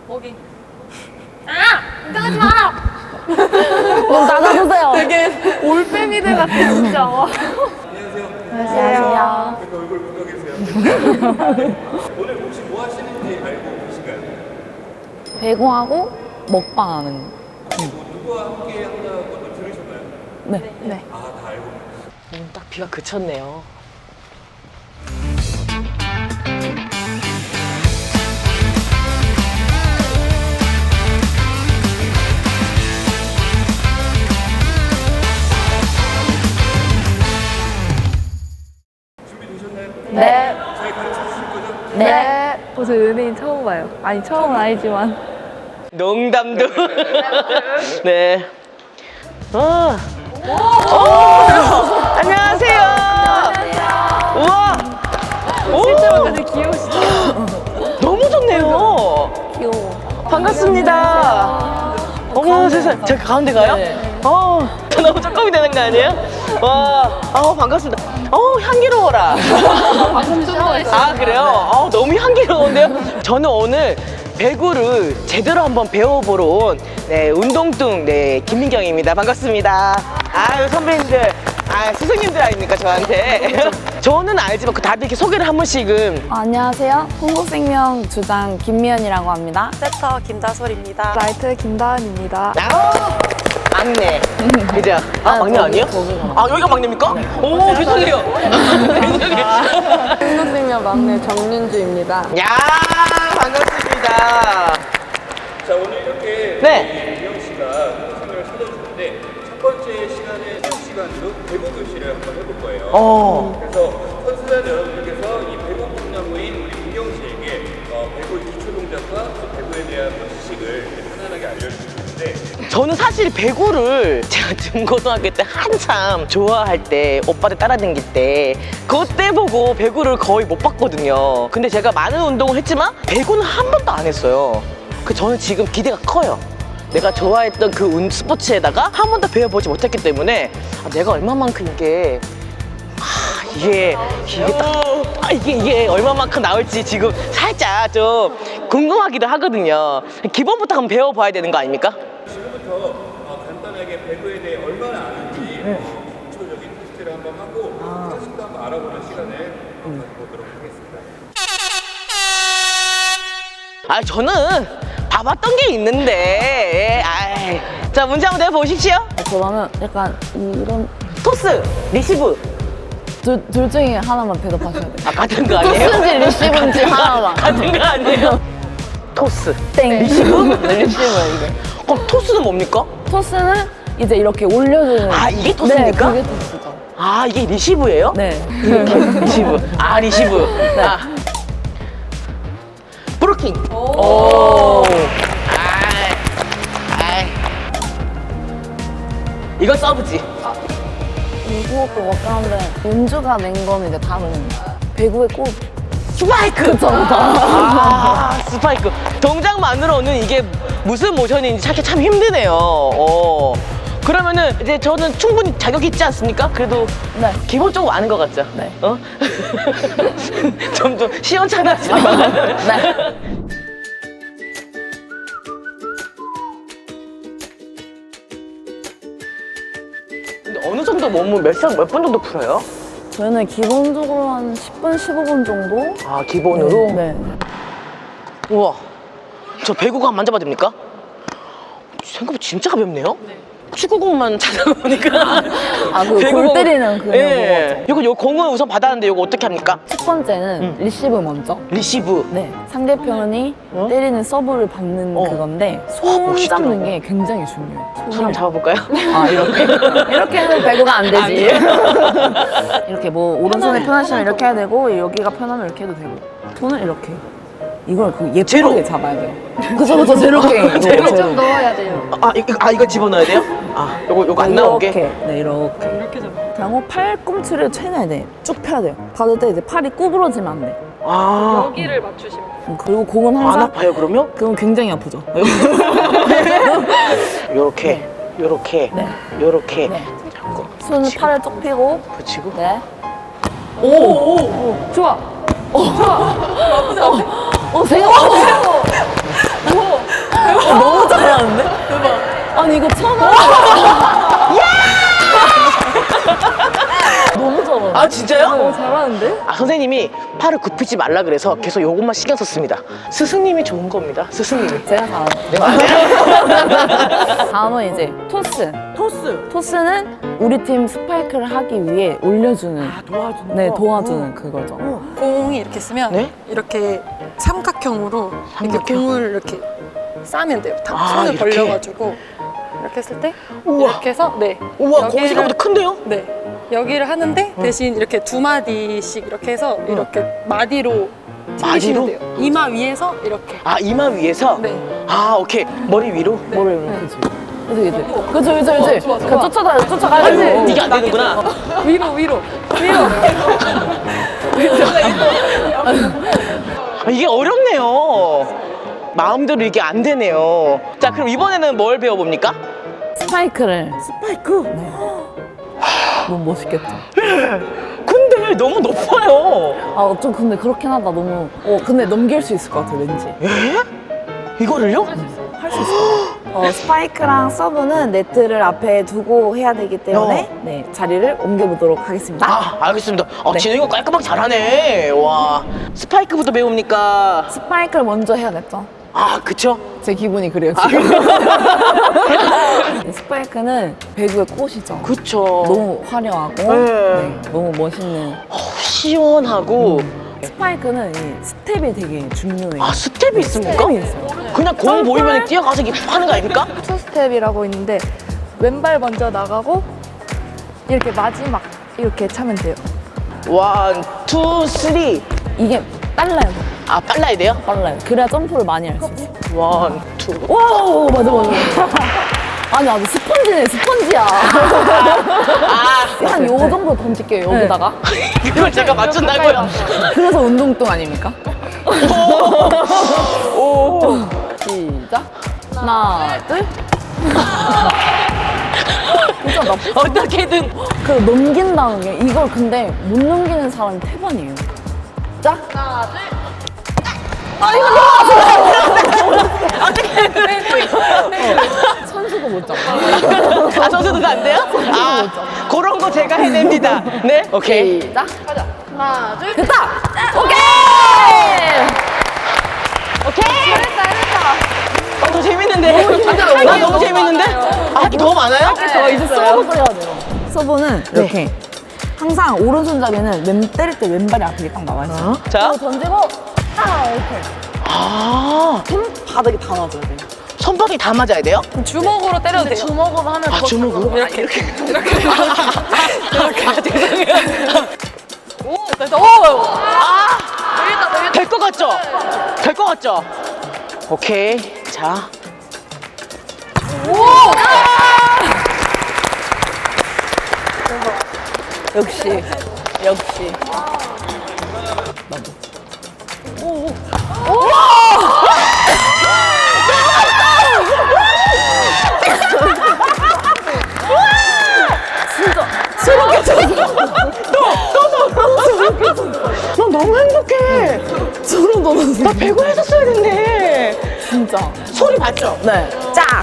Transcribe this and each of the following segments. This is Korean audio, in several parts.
거기. 아! 인정하지 마! 문 닫아주세요. 되게 올빼미들 같아, 진짜. 안녕하세요. 왜 얼굴 붉어 계세요? 오늘 혹시 뭐 하시는지 알고 계신가요? 배구하고 먹방하는 거. 누구와 함께 한다고 들으셨나요? 네. 아, 다 알고 계세요. 딱 비가 그쳤네요. 준비되셨나요? 네. 잘 가르쳐 주실 거죠? 네. 저 연예인 처음 봐요. 아니, 처음은 아니지만. 농담도. 네. 안녕하세요. 우와. 실제로 되게 귀여우시죠? 너무 좋네요. 귀여워. 반갑습니다. 어머 세상. 제가 가운데 가요? 네. 저 너무 조금이 되는 거 아니에요? 와, 반갑습니다. 향기로워라. 아, 그래요? 너무 향기로운데요? 저는 오늘 배구를 제대로 한번 배워보러 온 운동뚱 김민경입니다. 반갑습니다. 아유, 선배님들. 스승님들 아닙니까, 저한테? 저는 알지만 다들 이렇게 소개를 한 번씩은. 안녕하세요. 흥국생명 주장 김미연이라고 합니다. 세터 김다솔입니다. 라이트 김다은입니다. 막내. 그죠? 막내 아니에요? 여기가 막내입니까? 오, 죄송해요. 죄송해요. 흥국생명 막내 정윤주입니다. 야, 반갑습니다. 자, 오늘 이렇게 네. 미영 씨가 생활을 찾아주셨는데 첫 번째 시간에 시간으로 배구 교실을 한번 해볼 거예요. 그래서 선수단 여러분들께서 이 배구 꿈나무인 우리 민경 씨에게 배구의 기초 동작과 또 배구에 대한 지식을 편안하게 알려주실 텐데 저는 사실 배구를 제가 중고등학교 때 한참 좋아할 때 오빠들 따라다닐 때 그때 보고 배구를 거의 못 봤거든요. 근데 제가 많은 운동을 했지만 배구는 한 번도 안 했어요. 저는 지금 기대가 커요. 내가 좋아했던 그 스포츠에다가 한 번도 배워보지 못했기 때문에 내가 얼마만큼 이게 얼마만큼 나올지 지금 살짝 좀 궁금하기도 하거든요. 기본부터 한번 배워봐야 되는 거 아닙니까? 지금부터 간단하게 배구에 대해 얼마나 아는지 기초적인 테스트를 한번 하고 사실도 한번 알아보는 시간을 가져보도록 하겠습니다. 저는 봐봤던 게 있는데. 자, 문제 한번 내보십시오. 그러면 약간 이런 토스, 리시브. 둘 중에 하나만 대답하셔야 돼요. 같은 거 아니에요? 토스인지 리시브인지 하나만. 같은 거 아니에요? 토스. 땡. 리시브? 네, 리시브예요, 이게. 그럼 토스는 뭡니까? 토스는 이제 이렇게 올려주는. 이게 토스입니까? 네, 그게 토스죠. 이게 리시브예요? 네. 리시브. 리시브. 네. 브로킹. 오. 이건 서브지. 그것도 먹가는데 연주가 낸 거는 이제 다른 배구의 꽃. 스파이크. 그쵸. 스파이크. 동작만으로는 이게 무슨 모션인지 찾기 참 힘드네요. 그러면은 이제 저는 충분히 자격이 있지 않습니까? 그래도 네. 기본적으로 아는 것 같죠? 네. 좀 시원찮았지만. 네. 근데 어느 정도 몸을 몇 분 정도 풀어요? 저희는 기본적으로 한 10분, 15분 정도? 기본으로? 네. 우와, 저 배구가 한번 만져봐도 됩니까? 생각보다 진짜 가볍네요? 축구공만 찾아보니까. 골 때리는 그 예. 요 공을 우선 받았는데 이거 어떻게 합니까? 첫 번째는 리시브 먼저. 리시브. 네. 상대편이 때리는 서브를 받는 그건데 손 멋있더라고. 잡는 게 굉장히 중요해요. 손 잡아볼까요? 이렇게? 이렇게는 배구가 안 되지. 이렇게 뭐 오른손이 편하시면 이렇게 해야 되고 여기가 편하면 이렇게 해도 되고 손을 이렇게. 이걸 예쁘게 제로. 잡아야 돼요. 그쵸, 제로 게임. 제로. 좀 넣어야 돼요. 이거 집어넣어야 돼요? 요거 안 나오게? 이렇게. 네, 이렇게 잡아. 그리고 팔꿈치를 최대한 네, 쭉 펴야 돼요. 받을 때 이제 팔이 구부러지면 안 돼. 여기를 맞추시면 돼요. 그리고 공은 안 항상 아파요, 그러면? 그건 굉장히 아프죠. 요렇게, 요렇게, 네. 요렇게. 네. 잡고. 손을 팔을 쭉 펴고 붙이고. 네. 좋아. 생각보다 진짜요? 잘하는데? 아, 선생님이 팔을 굽히지 말라 그래서 계속 요것만 신경 썼습니다. 스승님이 좋은 겁니다. 스승님이. 제가 다 네, 맞아요. 다음은 이제 토스. 토스는 우리 팀 스파이크를 하기 위해 올려주는. 도와주는 네, 도와주는 그거죠. 공이 이렇게 쓰면 네? 이렇게 삼각형으로 이렇게 삼각형. 공을 이렇게 싸면 돼요. 다 아, 손을 이렇게? 벌려가지고 이렇게 했을 때 우와. 이렇게 해서 네. 우와, 공이 생각보다 큰데요? 네. 여기를 하는데 대신 이렇게 두 마디씩 이렇게 해서 이렇게 마디로 챙기시면 마디로? 돼요. 이마 위에서 이렇게. 아, 이마 위에서? 네. 아, 오케이. 머리 위로? 뭐를 이렇게 지 그치. 그 쫓아가야 아이고, 돼. 네가 안 되는구나. 위로. 아, 이게 어렵네요. 마음대로 이게 안 되네요. 자, 그럼 이번에는 뭘 배워봅니까? 스파이크를. 스파이크? 네. 너무 멋있겠죠? 근데 너무 높아요. 아, 좀 근데 그렇긴 하다. 너무. 근데 넘길 수 있을 것 같아, 왠지. 이거를요? 스파이크랑 서브는 네트를 앞에 두고 해야 되기 때문에 네, 자리를 옮겨보도록 하겠습니다. 아, 알겠습니다. 네. 진영이가 깔끔하게 잘하네. 와. 스파이크부터 배웁니까? 스파이크를 먼저 해야겠죠? 아, 그쵸? 제 기분이 그래요, 지금. 네, 스파이크는 배구의 꽃이죠. 그쵸. 너무 화려하고 네. 너무 멋있는. 시원하고. 스파이크는 이 스텝이 되게 중요해요. 아, 스텝이 있습니까? 스텝이 있어요. 그냥 공 보이면 뛰어가서 이렇게 하는 거 아닙니까? 투스텝이라고 있는데 왼발 먼저 나가고 이렇게 마지막 이렇게 차면 돼요. 1, 2, 3. 이게 빨라요. 아, 빨라야 돼요? 빨라요. 그래야 점프를 많이 할 수 있어요. 1, 2. 와우, 맞아. 아니, 아주 스펀지네, 스펀지야. 한 요 정도 던질게요, 여기다가. 그걸 제가 맞춘다고요? 그래서 운동동 아닙니까? 시작. 하나, 둘. 진짜 나쁘지? 어떻게든. 그 넘긴다는 게 이걸 근데 못 넘기는 사람이 태반이에요. 자. 하나, 둘. 아, 이거 너무 선수도 못 잡아. 아, 선수도 안 돼요? 아, 그런 거 제가 해냅니다. 네? 오케이. 시작. 가자. 하나, 둘. 됐다. 오케이. 오케이. 더 재밌는데? 나 너무 재밌는데? 아, 할 게 더 많아요? 이제 서브도 해야 돼요. 서브는 이렇게 항상 오른손잡이는 때릴 때 왼발이 앞에 딱 나와 있어요. 자. 그리고 던지고 이렇게 아, 손 바닥에 다 놔줘야 돼요. 손바닥이 다 맞아야 돼요? 주먹으로 때려도 돼요. 주먹으로 하면 아, 주먹으로? 이렇게. 아, 죄송해요. 될 것 같죠? 될 것 같죠? 오케이. 자. 역시. 나 너무 행복해. 소름 돋았어. 나 배구 했었어야 됐네. 진짜. 소리 봤죠? 네. 짝.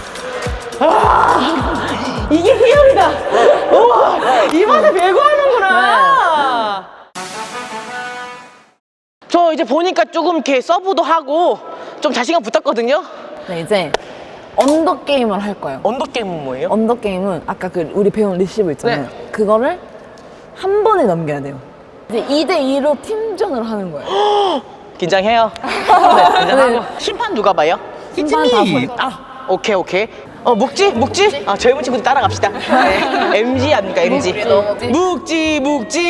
이게 희열이다. 우와, 이 맛에 배구하는구나. 저 이제 보니까 조금 이렇게 서브도 하고 좀 자신감 붙었거든요. 네, 이제 언더 게임을 할 거예요. 언더 게임은 뭐예요? 언더 게임은 아까 그 우리 배운 리시브 있잖아요. 네. 그거를 한 번에 넘겨야 돼요. 이제 2대2로 팀전을 하는 거예요. 긴장해요. 네, 긴장하고. 심판 누가 봐요? 심판 다 보니까. 아, 오케이. 묵지? 아, 젊은 친구들 따라갑시다. 네. MG 아닙니까, MG. 묵지. 묵지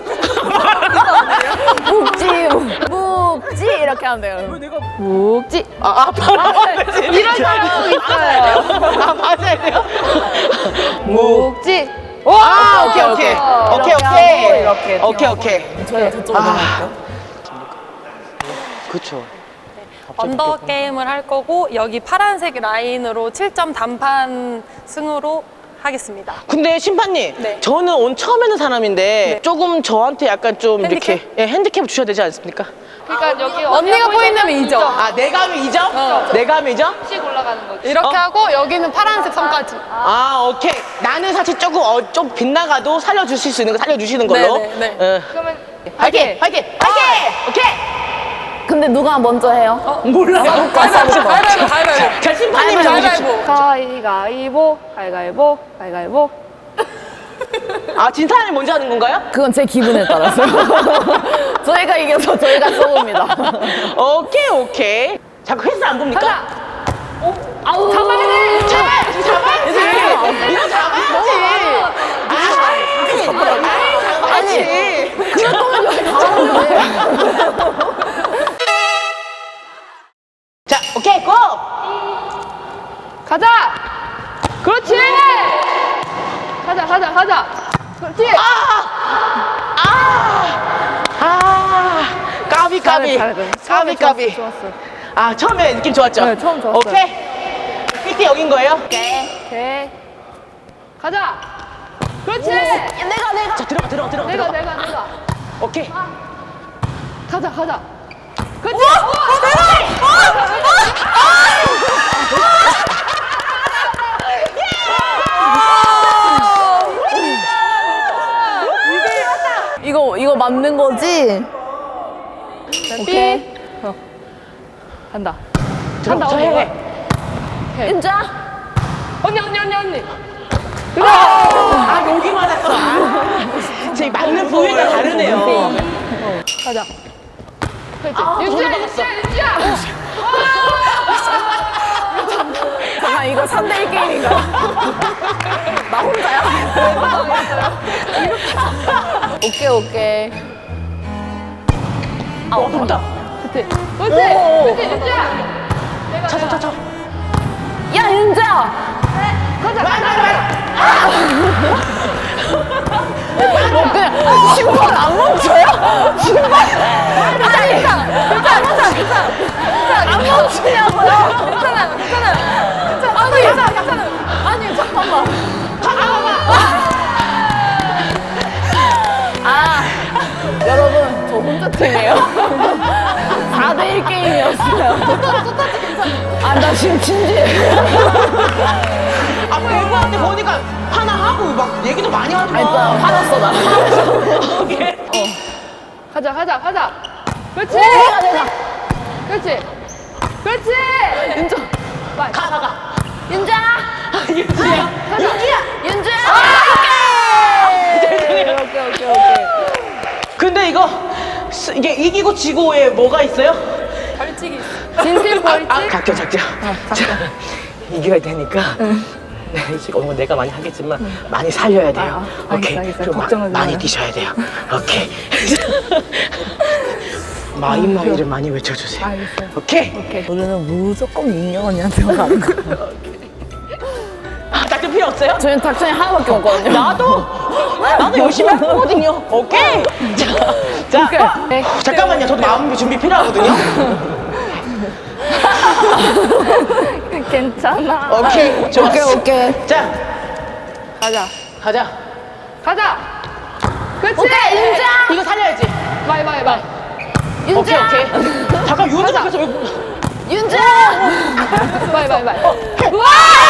이렇게 하면 돼요. 묵지. 이런 사람 있어요. 아, 맞아야 돼요? 묵지. 아, 오케이. 이렇게 오케이. 저희가 저쪽으로 넘어갈게요. 그쵸. 언더 게임을 할 거고 여기 파란색 라인으로 7점 단판 승으로 하겠습니다. 근데 심판님, 네. 저는 오늘 처음 하는 사람인데 조금 저한테 약간 좀 핸디캡? 이렇게 핸디캡을 주셔야 되지 않습니까? 그러니까 여기 언니가 포인트면 2점. 아, 내가 하면 2점? 내가 하면 2점? 씩 올라가는 거지. 이렇게 어? 하고 여기는 파란색 선까지. 아, 오케이. 나는 사실 조금 좀 빗나가도 살려주실 수 있는 거 살려주시는 걸로. 네, 네, 네. 그러면 화이팅! 화이팅! 화이팅! 오케이! 근데 누가 먼저 해요? 몰라. 가위바위보. 자, 심판님이 정해주십시오. 가위가위보 가위가위보 가위가위보. 아, 진 사람이 먼저 하는 건가요? 그건 제 기분에 따라서요. 저희가 이겨서 저희가 쏘입니다. 오케이, 오케이. 자꾸 횟수 안 봅니까? 아우 잡아야지, 잡아야지. 이거 잡아야지. 잡아야지. 자, 오케이, 고! 가자. 그렇지. 가자. 그렇지. 까비. 까비. 좋았어. 아, 처음에 느낌 좋았죠? 네, 처음 좋았어요. 오케이. 끝이 여긴 거예요? 오케이. 가자. 그렇지. 자, 들어가. 내가. 오케이. 가자. 그렇지. 이거 맞는 거지? 오케이. 간다. 들어가, 해. 인자. 언니. 아, 여기 맞았어. 제 맞는 부위가 다르네요. 가자. 그렇지. 유지야. 잠깐 이거 3대1 게임인가? 나 혼자야? 오케이. 좋다. 그렇지. 유지야. 차. 야 윤자. 그냥 신발 안 멈춰요? 아니 안 멈추냐고요? 괜찮아요. 아니 잠깐만. 여러분 저 혼자 팀이에요. 4대1 게임이었어요. 나 지금 진지해. 아, 배구한테 보니까 하나 하고 막 얘기도 많이 하더라. 화났어 나. 가자. 그렇지. 내가. 그렇지. 윤자. 가. 윤자. 윤지야. 윤자. 오케이. 근데 이게 이기고 지고에 뭐가 있어요? 벌칙이 있어. 진심 벌칙. 작죠. 자, 이겨야 되니까. 네, 지금 내가 많이 하겠지만 많이 살려야 돼요. 오케이. 알겠어. 그리고 걱정하지 많이 마요. 뛰셔야 돼요. 오케이. 마이마이를 많이 외쳐주세요. 알겠어요. 오케이. 우리는 무조건 민경 언니한테만 가는 거야. 작전 필요 없어요? 저희는 닥션이 하나밖에 없거든요. 나도 열심히 할 거거든요. 오케이. 자. 오케이. 잠깐만요. 저도 마음 준비 필요하거든요. 괜찮아. 오케이. 좋았어. 오케이. 자, 가자. 가자. 그렇지. 윤자. 이거 살려야지. 바이. 윤자. 오케이. 잠깐 윤자 앞에서 왜? 윤자. 바이. 우와!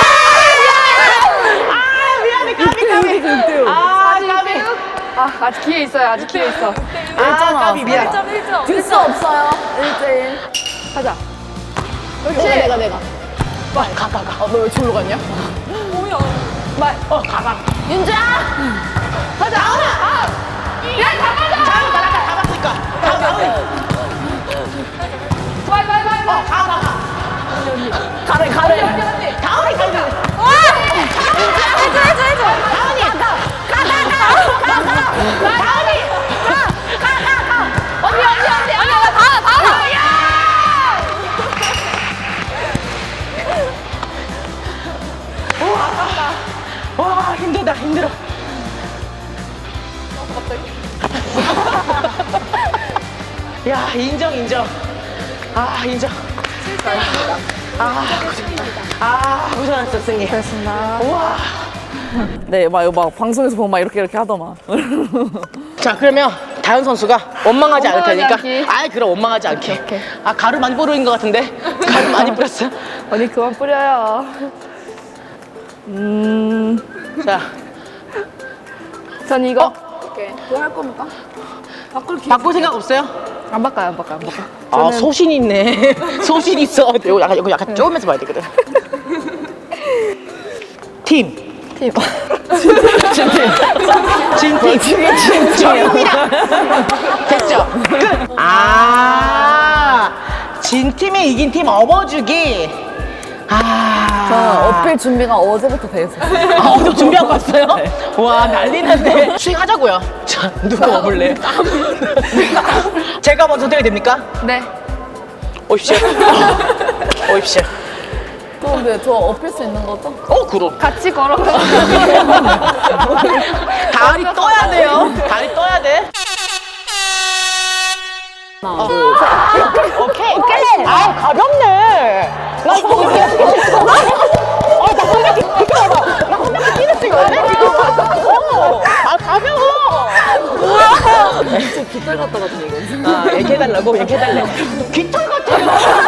아, 미안해. 까비. 아, 까비. 아직 기회 있어요. 아, 까비 미안. 1.1점. 줄 수 없어요. 1대1. 가자. 그렇지. 내가. 가. 너 왜 졸로 갔냐? 뭐야. 가. 윤자. 가자. 야, 가자. 잡았으니까. 가. 바이. 가래. 다운이 가야 돼. 해줘. 와, 힘들어. 야, 인정. 아, 인정. 고생하셨어, 승희. 됐습니다. 우와. 네, 막 방송에서 보면 막 이렇게 하더만. 자, 그러면 다현 선수가 원망하지 않을 원망하지 테니까. 않기. 아이, 그럼 원망하지 않게. 오케이. 아, 가루 많이 뿌린 것 같은데? 가루 많이 뿌렸어요? 언니 그만 뿌려요. 자, 전 이거 그거 할 겁니까? 바꿀 생각 없어요? 안 바꿔요, 안 바꿔요. 아, 소신 있네. 소신 있어. 이거 약간 쪼으면서 봐야 되거든. 팀. 팀. 진팀. 저입니다. 됐죠? 끝. 아, 진 팀이 이긴 팀 업어주기. 아. 어필 준비가 어제부터 돼 있었어요. 아, 오늘 준비하고 왔어요? 와, 난리 났네. 수행하자고요. 자, 누가 업을래? 제가 먼저 선택이 됩니까? 네. 오십시오. 오십시오. 근데 저 어필 수 있는 거죠? 그럼. 같이 걸어가요. 다리 떠야 돼요. 다리 떠야 돼. 오케이. 아, 가볍네. 나 공격 뛰는 안 해, 지금. 아, 가벼워. 깃털 갖다 같은 이거. 아, 얘기해달라고? 얘기해달래. 깃털 같아.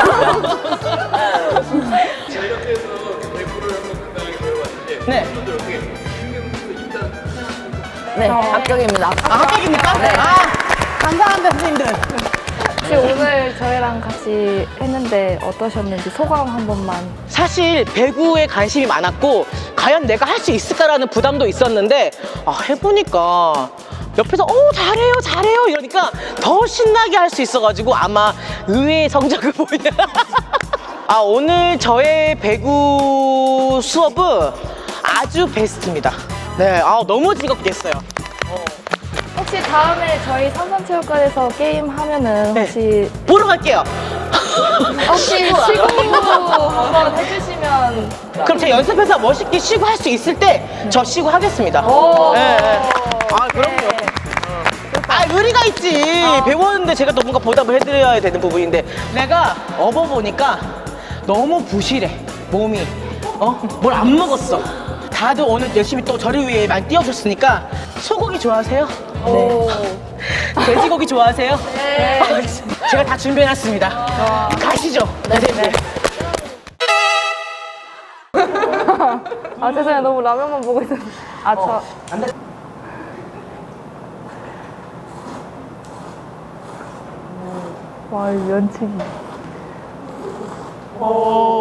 자, 이렇게 해서 배구를 한번 간단하게 배워봤는데 네. 분들 어떻게 김경민 선수 입단 네, 합격입니다. 아, 합격입니까? 네. 아, 감사합니다, 선생님들. 혹시 오늘 저희랑 같이 했는데 어떠셨는지 소감 한 번만. 사실 배구에 관심이 많았고 과연 내가 할 수 있을까라는 부담도 있었는데 해보니까 옆에서 잘해요 이러니까 더 신나게 할 수 있어가지고 아마 의외의 성적을 보이냐. 오늘 저의 배구 수업은 아주 베스트입니다. 네, 너무 즐겁게 했어요. 혹시 다음에 저희 삼산체육관에서 게임 하면은 네. 혹시 보러 갈게요. 시구 한번 해주시면. 그럼 제가 연습해서 멋있게 시구 할 수 있을 때 저 시구 하겠습니다. 오. 네. 그럼요. 의리가 있지. 배웠는데 제가 또 뭔가 보답을 해드려야 되는 부분인데 내가 업어보니까 너무 부실해, 몸이. 뭘 안 먹었어. 다들 오늘 열심히 또 저를 위해 많이 뛰어오셨으니까 소고기 좋아하세요? 오. 돼지고기 좋아하세요? 네. 제가 다 준비해놨습니다. 가시죠. 네. 죄송해요. 너무 라면만 보고 있었는데. 와, 이 면치기.